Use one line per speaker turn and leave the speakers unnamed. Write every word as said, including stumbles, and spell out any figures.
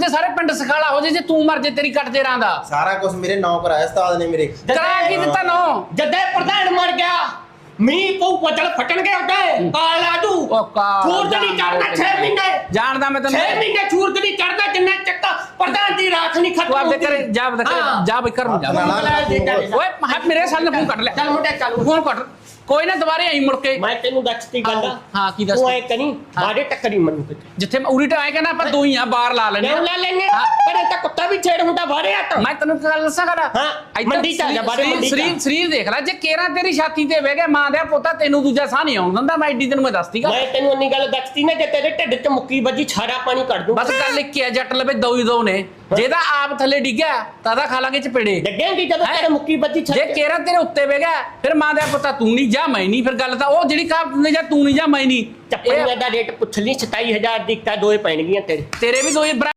ਤੇ ਸਾਰੇ ਪਿੰਡ ਸਖਾਲਾ ਹੋ ਜੇ ਜੇ ਤੂੰ ਮਰ ਜੇ ਤੇਰੀ ਕੱਟ ਜੇ ਰਾਂ ਦਾ
ਸਾਰਾ ਕੁਝ ਮੇਰੇ ਨਾਂ ਕਰਾਇਆ ਉਸਤਾਦ ਨੇ ਮੇਰੇ
ਕਰਾ ਕੀ ਦਿੱਤਾ ਨੋ
ਜਦੇ ਪ੍ਰਧਾਨ ਮਰ ਗਿਆ ਮੀਂਹ ਪਊ ਬੱਦਲ ਫਟਣਗੇ ਉੱਤੇ ਕਾਲ ਆਜੂ
ਉਹ ਕਾਲ
ਸੂਰਜ ਨਹੀਂ ਚੜਦਾ ਛੇ ਮਹੀਨੇ
ਜਾਣਦਾ ਮੈਂ ਤੈਨੂੰ
ਛੇ ਮਹੀਨੇ ਸੂਰਜ ਨਹੀਂ ਚੜਦਾ ਜਿੰਨਾ ਚੱਕਾ ਪ੍ਰਧਾਨ ਦੀ ਰਾਖ ਨਹੀਂ ਖਤਮ
ਤੂੰ ਆਪਦੇ ਘਰੇ ਜਾ ਆਪਦੇ ਘਰੇ ਜਾ ਬਈ ਘਰ ਨੂੰ ਜਾ ਓਏ ਮੇਰੇ ਸਾਲ ਨੇ ਫੋਨ ਕੱਟ ਲਿਆ
ਚੱਲ ਮੁੰਡੇ ਚੱਲ
ਫੋਨ ਕੱਟ ਕੋਈ ਨਾ ਦੁਬਾਰੇ ਆਈ ਮੁੜ ਕੇ
ਮੈਂ ਤੈਨੂੰ ਦੱਸਤੀ ਗੱਲ
ਹਾਂ ਕੀ ਦੱਸ
ਤੂੰ ਐ ਕਰੀ ਬਾੜੇ ਟੱਕਰੀ ਮੈਨੂੰ ਕਿਤੇ
ਜਿੱਥੇ ਮੈਂ ਉਰੀ ਟਾਏ ਕਹਿੰਦਾ ਪਰ ਤੂੰ ਹੀ ਆ ਬਾਹਰ ਲਾ ਲੈਣੇ
ਕਿਉਂ ਲੈ ਲੈਣੇ ਪਰ ਤਾਂ ਕੁੱਤਾ ਵੀ ਛੇੜ ਹੁੰਦਾ ਬਾੜੇ ਹਟ
ਮੈਂ ਤੈਨੂੰ ਗੱਲ ਦੱਸਾਂ ਕਰਾ
ਹਾਂ ਮੰਡੀ ਚ ਆ ਜਾ ਬਾੜੇ ਮੰਡੀ ਚ
ਸਰੀਰ ਸਰੀਰ ਦੇਖ ਲੈ ਜੇ ਕੇਰਾ ਤੇਰੀ ਛਾਤੀ ਤੇ ਬਹਿ ਗਿਆ ਮਾਂ ਦਾ ਪੋਤਾ ਤੈਨੂੰ ਦੂਜਾ ਸਾਹ ਨਹੀਂ ਆਉਣ ਦਿੰਦਾ ਮੈਂ ਐਡੀ ਤੈਨੂੰ ਮੈਂ ਦੱਸਦੀਗਾ
ਮੈਂ ਤੈਨੂੰ ਇੰਨੀ ਗੱਲ ਦੱਸਤੀ ਨਾ ਜੇ ਤੇਰੇ ਢਿੱਡ 'ਚ ਮੁੱਕੀ ਵੱਜੀ ਛਾੜਾ ਪਾਣੀ ਕੱਢ ਦੂੰ
ਬਸ ਗੱਲ ਇੱਕ ਹੈ ਜੱਟ ਲਵੇ ਦੋ ਹੀ ਦੋ ਨੇ ਜਿਹਦਾ ਆਪ ਥੱਲੇ ਡਿੱਗਿਆ ਤਾਂ ਦਾ ਖਾ ਲਾਂਗੇ ਚਪੇੜੇ
ਡੱਗੇਂਗੀ ਜਦੋਂ ਤੇਰੇ ਮੁੱਕੀ ਵੱਜੀ
ਜੇ ਕੇਰਾ ਤੇਰੇ ਉੱਤੇ ਬਹਿ ਗਿਆ ਫਿਰ ਮਾਂ ਦਾ ਪੋਤਾ ਤੂੰ ਨਹੀਂ ਜਾ ਮੈਂ ਨਹੀਂ ਫਿਰ ਗੱਲ ਤਾਂ ਉਹ ਜਿਹੜੀ ਕਹਾਵਤ ਨੇ ਜਾਂ ਤੂੰ ਨਹੀਂ ਜਾ ਮੈਂ ਨਹੀਂ
ਚੱਪਲੀਆਂ ਦਾ ਰੇਟ ਪੁੱਛ ਲਈ ਸਤਾਈ ਹਜ਼ਾਰ ਦੀ ਇੱਕਾ ਦੋਏ ਪੈਣਗੀਆਂ ਤੇਰੇ
ਤੇਰੇ ਵੀ ਦੋ ਹੀ